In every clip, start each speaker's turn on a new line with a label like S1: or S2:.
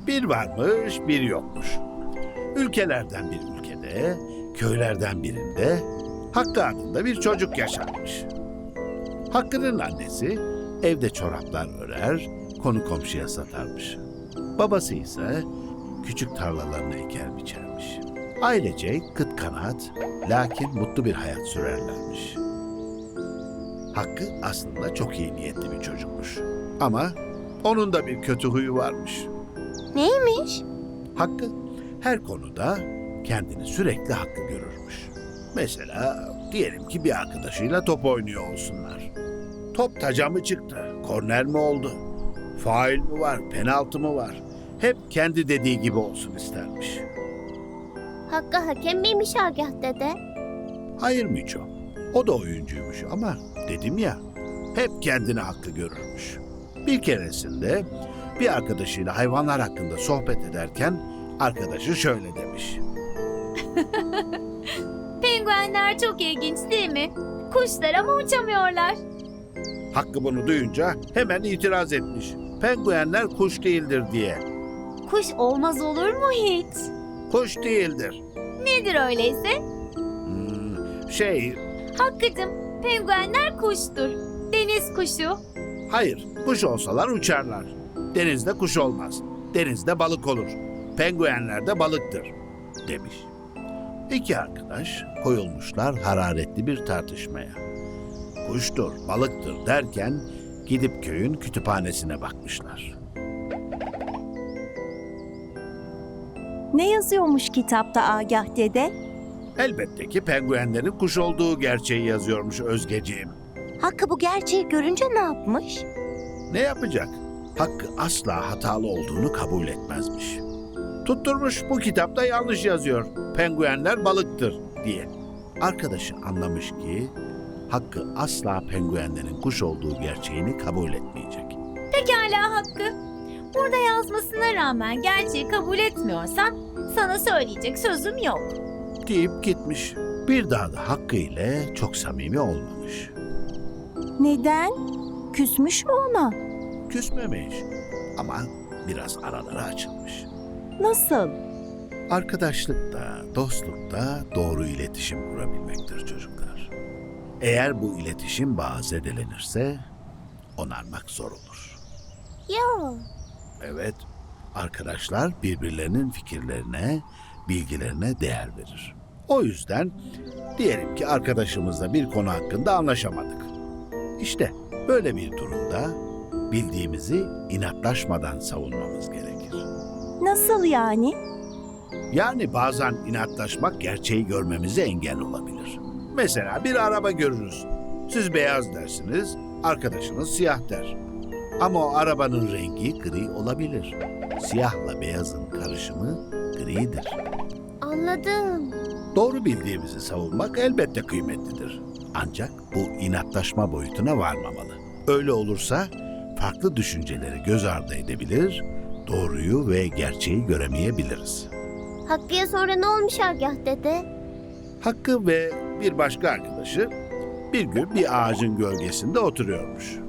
S1: Bir varmış, bir yokmuş. Ülkelerden bir ülkede, köylerden birinde Hakkı adında bir çocuk yaşarmış. Hakkı'nın annesi evde çoraplar örer, konu komşuya satarmış. Babası ise küçük tarlalarını eker biçermiş. Ailece kıt kanaat, lakin mutlu bir hayat sürerlermiş. Hakkı aslında çok iyi niyetli bir çocukmuş. Ama onun da bir kötü huyu varmış.
S2: Neymiş?
S1: Hakkı her konuda kendini sürekli haklı görürmüş. Mesela diyelim ki bir arkadaşıyla top oynuyor olsunlar. Top taca mı çıktı, korner mi oldu, faul mü var, penaltı mı var? Hep kendi dediği gibi olsun istermiş.
S2: Hakkı hakem miymiş Agah dede?
S1: Hayır Miço, o da oyuncuymuş ama dedim ya, hep kendini haklı görürmüş. Bir keresinde bir arkadaşıyla hayvanlar hakkında sohbet ederken arkadaşı şöyle demiş.
S3: Penguenler çok ilginç değil mi? Kuşlar ama uçamıyorlar.
S1: Hakkı bunu duyunca hemen itiraz etmiş. Penguenler kuş değildir diye.
S3: Kuş olmaz olur mu hiç?
S1: Kuş değildir.
S3: Nedir öyleyse? Hakkı'cım, penguenler kuştur. Deniz kuşu.
S1: Hayır, kuş olsalar uçarlar. Denizde kuş olmaz. Denizde balık olur. Penguenler de balıktır, demiş. İki arkadaş koyulmuşlar hararetli bir tartışmaya. Kuştur, balıktır derken gidip köyün kütüphanesine bakmışlar.
S4: Ne yazıyormuş kitapta Agah dede?
S1: Elbette ki penguenlerin kuş olduğu gerçeği yazıyormuş Özgeciğim.
S4: Hakkı bu gerçeği görünce ne yapmış?
S1: Ne yapacak? Hakkı asla hatalı olduğunu kabul etmezmiş. Tutturmuş bu kitapta yanlış yazıyor. Penguenler balıktır diye. Arkadaşı anlamış ki Hakkı asla penguenlerin kuş olduğu gerçeğini kabul etmeyecek.
S3: Pekala Hakkı. Burada yazmasına rağmen gerçeği kabul etmiyorsan sana söyleyecek sözüm yok.
S1: Deyip gitmiş. Bir daha da Hakkı ile çok samimi olmamış.
S4: Neden? Küsmüş mü ona?
S1: Küsmemiş ama biraz araları açılmış.
S4: Nasıl?
S1: Arkadaşlıkta, dostlukta doğru iletişim kurabilmektir çocuklar. Eğer bu iletişim bağı zedelenirse onarmak zor olur.
S2: Yo.
S1: Evet, arkadaşlar birbirlerinin fikirlerine, bilgilerine değer verir. O yüzden diyelim ki arkadaşımızla bir konu hakkında anlaşamadık. İşte böyle bir durumda bildiğimizi inatlaşmadan savunmamız gerekir.
S4: Nasıl yani?
S1: Yani bazen inatlaşmak gerçeği görmemize engel olabilir. Mesela bir araba görürüz. Siz beyaz dersiniz, arkadaşınız siyah der. Ama o arabanın rengi gri olabilir. Siyahla beyazın karışımı gridir.
S2: Anladım.
S1: Doğru bildiğimizi savunmak elbette kıymetlidir. Ancak bu inatlaşma boyutuna varmamalı. Öyle olursa farklı düşünceleri göz ardı edebilir, doğruyu ve gerçeği göremeyebiliriz.
S2: Hakkı'ya sonra ne olmuş Agah dede?
S1: Hakkı ve bir başka arkadaşı bir gün bir ağacın gölgesinde oturuyormuş.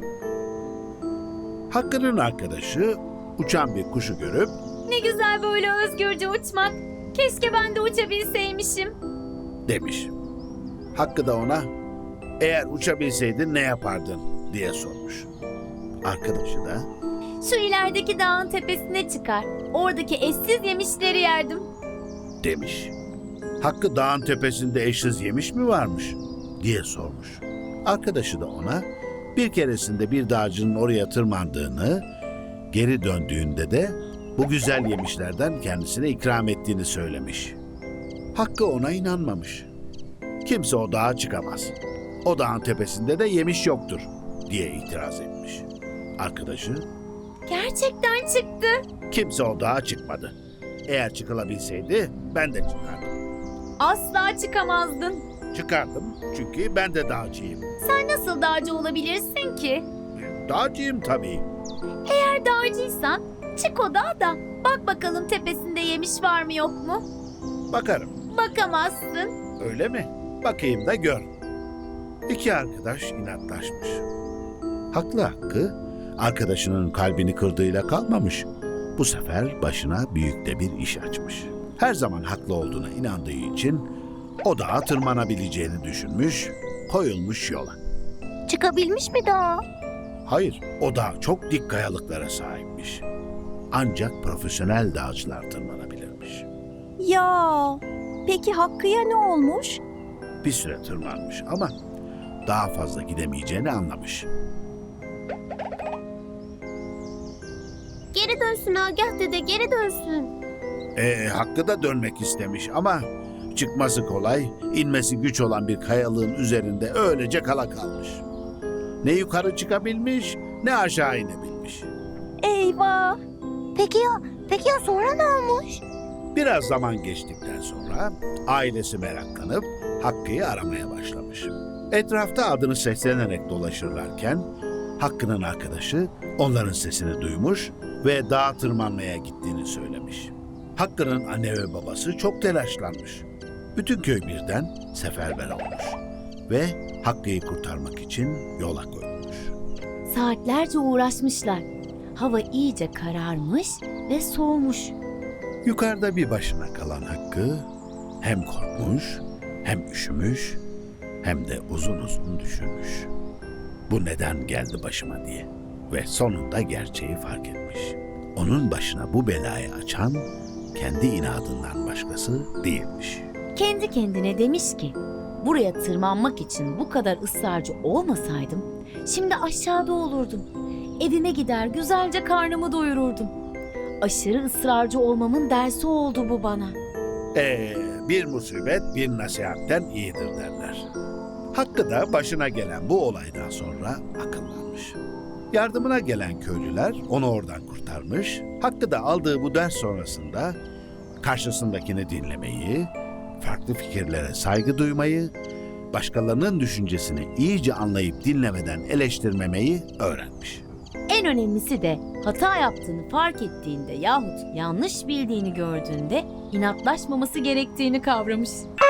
S1: Hakkı'nın arkadaşı uçan bir kuşu görüp
S3: Ne güzel böyle özgürce uçmak. Keşke ben de uçabilseymişim.
S1: demiş. Hakkı da ona eğer uçabilseydin ne yapardın diye sormuş. Arkadaşı da
S3: Şu ilerideki dağın tepesine çıkar. Oradaki eşsiz yemişleri yerdim.
S1: demiş. Hakkı dağın tepesinde eşsiz yemiş mi varmış diye sormuş. Arkadaşı da ona bir keresinde bir dağcının oraya tırmandığını, geri döndüğünde de bu güzel yemişlerden kendisine ikram ettiğini söylemiş. Hakkı ona inanmamış. Kimse o dağa çıkamaz. O dağın tepesinde de yemiş yoktur diye itiraz etmiş. Arkadaşı
S3: Gerçekten çıktı.
S1: kimse o dağa çıkmadı. Eğer çıkılabilseydi ben de çıkardım.
S3: Asla çıkamazdın.
S1: Çıkardım çünkü ben de dağcıyım.
S3: Sen nasıl dağcı olabilirsin ki?
S1: Dağcıyım tabii.
S3: Eğer dağcıysan çık o dağa da bak bakalım tepesinde yemiş var mı yok mu?
S1: Bakarım.
S3: Bakamazsın.
S1: Öyle mi? Bakayım da gör. İki arkadaş inatlaşmış. Haklı Hakkı, arkadaşının kalbini kırdığıyla kalmamış. Bu sefer başına büyük de bir iş açmış. Her zaman haklı olduğuna inandığı için o dağa tırmanabileceğini düşünmüş, koyulmuş yola.
S4: Çıkabilmiş mi daha?
S1: Hayır, o dağ çok dik kayalıklara sahipmiş. Ancak profesyonel dağcılar tırmanabilirmiş.
S4: Ya, peki Hakkı'ya ne olmuş?
S1: Bir süre tırmanmış ama daha fazla gidemeyeceğini anlamış.
S2: Geri dönsün Agah dede, geri dönsün.
S1: Hakkı da dönmek istemiş ama çıkması kolay, inmesi güç olan bir kayalığın üzerinde öylece kala kalmış. Ne yukarı çıkabilmiş, ne aşağı inebilmiş.
S4: Eyvah! Peki ya sonra ne olmuş?
S1: Biraz zaman geçtikten sonra ailesi meraklanıp Hakkı'yı aramaya başlamış. Etrafta adını seslenerek dolaşırlarken Hakkı'nın arkadaşı onların sesini duymuş ve dağa tırmanmaya gittiğini söylemiş. Hakkı'nın anne ve babası çok telaşlanmış. Bütün köy birden seferber olmuş ve Hakkı'yı kurtarmak için yola koyulmuş.
S3: Saatlerce uğraşmışlar. Hava iyice kararmış ve soğumuş.
S1: Yukarıda bir başına kalan Hakkı hem korkmuş, hem üşümüş, hem de uzun uzun düşünmüş. Bu neden geldi başıma diye ve sonunda gerçeği fark etmiş. Onun başına bu belayı açan kendi inadından başkası değilmiş.
S3: Kendi kendine demiş ki, buraya tırmanmak için bu kadar ısrarcı olmasaydım, şimdi aşağıda olurdum. Evime gider güzelce karnımı doyururdum. Aşırı ısrarcı olmamın dersi oldu bu bana.
S1: Bir musibet bir nasihatten iyidir derler. Hakkı da başına gelen bu olaydan sonra akıllanmış. Yardımına gelen köylüler onu oradan kurtarmış. Hakkı da aldığı bu ders sonrasında karşısındakini dinlemeyi, farklı fikirlere saygı duymayı, başkalarının düşüncesini iyice anlayıp dinlemeden eleştirmemeyi öğrenmiş.
S3: En önemlisi de hata yaptığını fark ettiğinde yahut yanlış bildiğini gördüğünde inatlaşmaması gerektiğini kavramış.